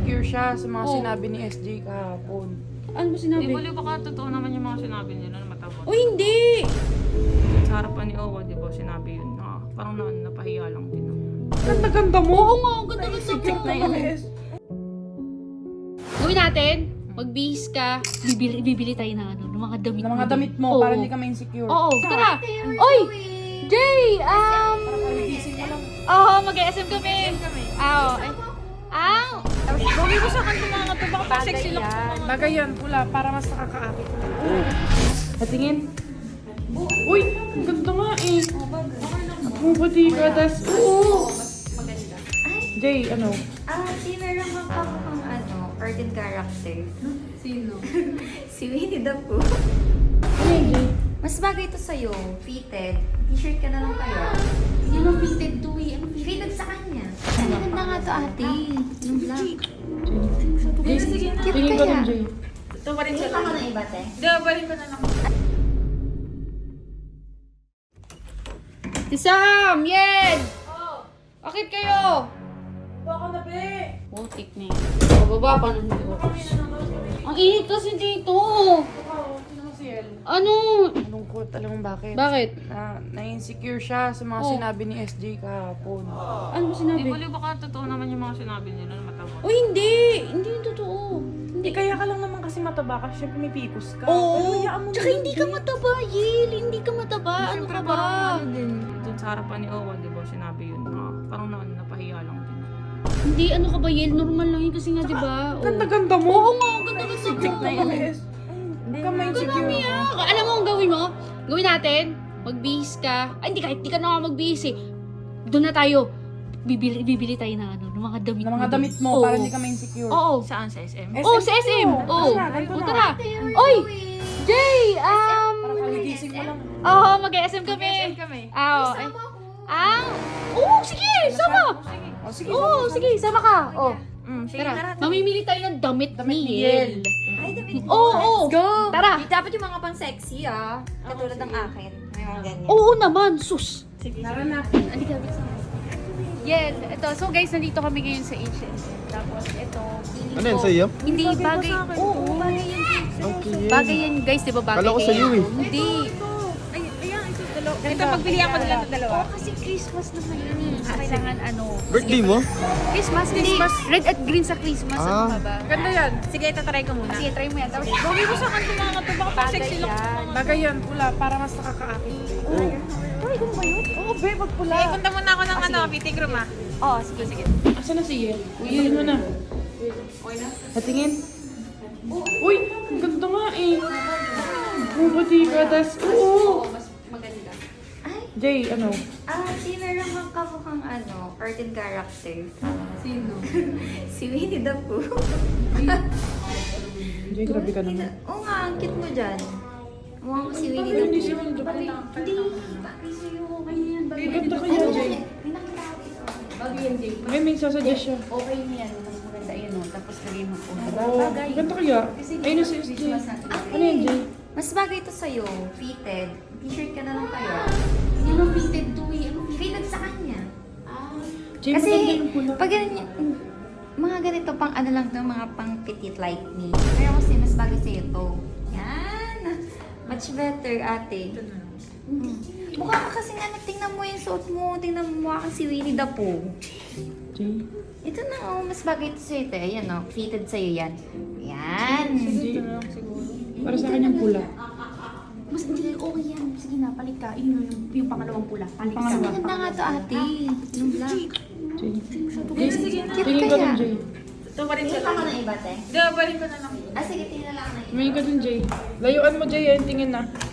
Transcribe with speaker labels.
Speaker 1: na-insecure siya sa mga
Speaker 2: Oh.
Speaker 1: sinabi ni SJ kahapon.
Speaker 2: Ano ba sinabi?
Speaker 3: Di ba baka totoo naman yung mga sinabi nila na matapos?
Speaker 2: O hindi!
Speaker 3: Sa harapan ni Owa, di ba, sinabi yun na parang napahiya lang din naman.
Speaker 1: Ganda-ganda mo!
Speaker 2: Oo nga, ang ganda-ganda
Speaker 1: Secure na
Speaker 2: mo.
Speaker 1: yun.
Speaker 2: Gawin natin, magbihis ka, bibili tayo ng ano, ng mga damit
Speaker 1: Ng mga damit mo,
Speaker 2: Oo.
Speaker 1: para hindi ka ma-insecure.
Speaker 2: Oo, tara! Oy! Jay! Oo, mag-SM kami. Oo. Gawin mo sa kanto mga to, baka pang sexy look.
Speaker 1: Bagay yan, pula, para mas nakakaakit. Patingin. Uy, ang ganda nga eh. Bumabati ka, tas... Oo! Jay, ano?
Speaker 4: Si meron kang kamukhang cartoon character.
Speaker 2: Sino?
Speaker 4: Si Winnie the Pooh.
Speaker 1: Ano yun, Jay?
Speaker 4: Mas bagay ito sa'yo. Fitted. T-shirt ka na lang kaya.
Speaker 2: Hindi mo fitted to eh. Ano
Speaker 4: Fitted sa kanya. Ang ganda nga to ate. Yung black.
Speaker 1: Jay,
Speaker 4: Cute
Speaker 1: tingin ko
Speaker 4: kaya.
Speaker 1: dun, Jay.
Speaker 3: Ito pa rin
Speaker 4: Hindi
Speaker 3: siya.
Speaker 4: pa ko na iba, te.
Speaker 3: Balik ko na lang.
Speaker 2: Si Sam! Yen! Bakit kayo?
Speaker 1: Baka na, be!
Speaker 2: Putik na yun. Baba pa nang Ang init kasi dito.
Speaker 1: Sino mo si El?
Speaker 2: Ano?
Speaker 1: Malungkot, alam mo bakit?
Speaker 2: Bakit?
Speaker 1: Na-insecure siya sa mga
Speaker 2: Oh.
Speaker 1: sinabi ni SJ kahapon.
Speaker 2: Ano ba
Speaker 3: Di
Speaker 2: sinabi?
Speaker 3: ba baka totoo naman yung mga sinabi nila na matapos?
Speaker 2: O hindi! Hindi yung totoo.
Speaker 1: Hindi, kaya ka lang naman kasi mataba ka, syempre may pikos ka. Pero
Speaker 2: Oo.
Speaker 1: hayaan mo
Speaker 2: Tsaka
Speaker 1: na
Speaker 2: hindi
Speaker 1: yun,
Speaker 2: ka
Speaker 1: Jay.
Speaker 2: mataba, Yel. Hindi ka mataba. Ano
Speaker 3: Siyempre
Speaker 2: ka ba?
Speaker 3: parang ano din. Doon sa harapan ni Owa, di ba, sinabi yun na parang napahiya lang din naman.
Speaker 2: Hindi, ano ka ba, Yel? Normal lang yun kasi nga, di ba? Oo.
Speaker 1: Ganda-ganda mo!
Speaker 2: Oo nga, ang ganda-ganda
Speaker 1: Secret na
Speaker 2: mo.
Speaker 1: yun. Huwag ka ma-insecure
Speaker 2: Marami
Speaker 1: ako.
Speaker 2: Alam mo ang gawin mo? Gawin natin, magbihis ka. Ay, hindi kahit di ka na nga magbihis eh. Doon na tayo. Bibili tayo ng ano, ng mga damit
Speaker 1: Ng mga
Speaker 2: doon.
Speaker 1: damit mo,
Speaker 2: Oo.
Speaker 1: para hindi ka ma-insecure.
Speaker 2: Oo.
Speaker 3: Saan sa SM?
Speaker 2: Oo, sa SM. Oo.
Speaker 1: Tara na, ganito
Speaker 2: O,
Speaker 1: na.
Speaker 2: tara. Oy! Jay!
Speaker 1: Para kagigising mo lang.
Speaker 2: Oo, mag-SM kami.
Speaker 3: kami.
Speaker 2: Oo. Oo, sige, sama.
Speaker 1: O, sige.
Speaker 2: Oo, sige, sama ka. Oo.
Speaker 3: Sige,
Speaker 2: Tara, mamimili tayo ng damit ni Yel.
Speaker 4: Ay, damit mo.
Speaker 2: Oo, oo.
Speaker 4: Let's go.
Speaker 2: Tara.
Speaker 4: Dapat yung mga pang sexy Katulad ng akin. May mga ganyan.
Speaker 2: Oo naman, sus.
Speaker 1: Tara na.
Speaker 2: Yel, ito. So guys, nandito kami ngayon sa H&M. Tapos ito,
Speaker 5: Ano yan, sa'yo?
Speaker 2: hindi bagay. Oo, bagay yan.
Speaker 5: Okay.
Speaker 2: Bagay yan guys, di ba bagay
Speaker 5: Kala ko sa'yo eh.
Speaker 2: Hindi.
Speaker 3: Ito, pagbili ako nila ng dalawa.
Speaker 2: Oo, kasi Christmas naman yun. So, kailangan ano.
Speaker 5: Birthday mo?
Speaker 2: Christmas, hindi. Red at green sa Christmas. Ano
Speaker 5: Ah.
Speaker 2: ka ba?
Speaker 1: Ganda yan.
Speaker 3: Sige, itatry ko muna.
Speaker 2: Sige, try mo yan. Tapos,
Speaker 3: Gawin mo sa kanto mga to, baka pang sexy look.
Speaker 1: Bagay yan, pula, para mas nakakaakit.
Speaker 2: ay, ganun ba yun?
Speaker 1: Oo, be, wag pula.
Speaker 3: Sige, punta muna ako ng fitting room
Speaker 2: Oo, sige, sige.
Speaker 1: Asa na si Yel? Uyelin mo na. Patingin. Uy, ang ganda nga eh. Bumabati ka, tas... Oo.
Speaker 2: Mas maganda.
Speaker 4: Ay,
Speaker 1: Jay, ano?
Speaker 4: si meron kang kamukhang cartoon character.
Speaker 2: Sino?
Speaker 4: Si Winnie the Pooh.
Speaker 1: Jay, grabe ka naman.
Speaker 4: Oo nga, ang cute mo dyan. Mukha ko si Winnie the
Speaker 1: Hindi
Speaker 4: Pooh.
Speaker 1: si Winnie the Pooh.
Speaker 4: Hindi, bagay sa'yo. Okay na yan. Bagay.
Speaker 1: Ganda kaya, Jay.
Speaker 4: May nakita ko ito.
Speaker 2: Bagay yan, Jay.
Speaker 1: May sasuggest siya.
Speaker 2: Okay niya yan. Mas maganda yun. No? Tapos lagay mo po.
Speaker 1: Oh, ganda kaya. Ayun na si SJ. Ano yan, Jay?
Speaker 4: Mas bagay ito sa'yo. Fitted. T-shirt ka na lang kaya.
Speaker 2: Hindi mo fitted to eh. Ano
Speaker 4: Fitted sa kanya.
Speaker 1: Jay,
Speaker 4: Kasi,
Speaker 1: maganda yung pula.
Speaker 4: pag ganyan, mga ganito pang ano lang to, mga pang petite like me. Pero kasi mas bagay sa'yo to. Yan. Much better, ate. Hindi. Mukha ka kasi nga, tingnan mo yung suot mo. Tingnan mo, mukha kang si Winnie the Pooh.
Speaker 1: Jay.
Speaker 4: Ito na, mas bagay ito sa'yo, te. Ayan, fitted sa'yo yan. Yan.
Speaker 1: Jay. Para sa akin yung pula.
Speaker 2: Mas hindi okay yan. Sige na, palit ka. Yung pangalawang pula. Palit ka.
Speaker 1: Pangalawa.
Speaker 4: Maganda nga to, ate. Yung black.
Speaker 1: Jay.
Speaker 4: Sige, cute
Speaker 1: Tingin ko dun,
Speaker 4: kaya.
Speaker 1: Jay.
Speaker 3: Ito pa rin
Speaker 4: Tingin
Speaker 3: siya.
Speaker 4: pa ko ng iba, te.
Speaker 3: Balik ko na lang.
Speaker 4: Sige, tingnan lang na iba.
Speaker 1: Tumingin ka dun, Jay. Layuan mo, Jay. Ayun, tingin na.